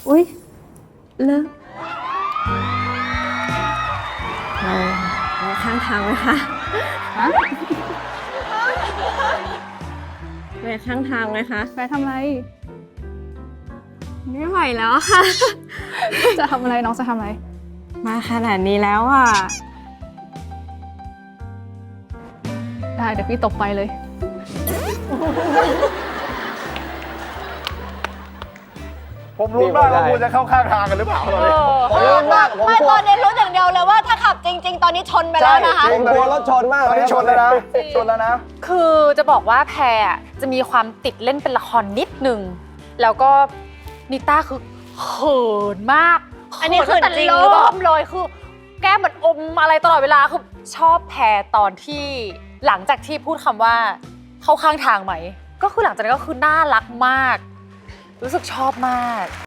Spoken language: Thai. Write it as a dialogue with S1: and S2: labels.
S1: อุ๊ยเลิกเราไปข้างทางไหมคะไปข้างทางไหมคะ
S2: ไปทำอะไร
S1: ไม่ไหวแล้วค่ะ
S2: จะทำอะไรน้องจะทำอะไร
S1: มาขนาดนี้แล้วอ่ะ
S2: ได้เดี๋ยวพี่ตบไปเลย
S3: ผมรู้มากว่าคุณจะเข้าข้างทางกันหรือเปล่าตอนนี้
S4: ผมรู้มากผมกลัว
S5: ตอนนี้รู้อย่างเดียวเลยว่าถ้าขับจริง ๆ ตอนนี้ชนไปแล้วนะคะ
S3: ผมกลัวรถชนมากตอนนี้ชนแล้วนะชนแล้วนะ
S4: คือจะบอกว่าแพรจะมีความติดเล่นเป็นละครนิดนึง แล้วก็นิต้าคือเขินมาก
S5: อันนี้เขินจริงหรือเปล่า
S4: เริ่มเลยคือแก้มเหมือนอมอะไรตลอดเวลาคือชอบแพรตอนที่หลังจากที่พูดคำว่าเข้าข้างทางไหม ก็คือหลังจากนั้นก็คือน่ารักมาก รู้สึกชอบมาก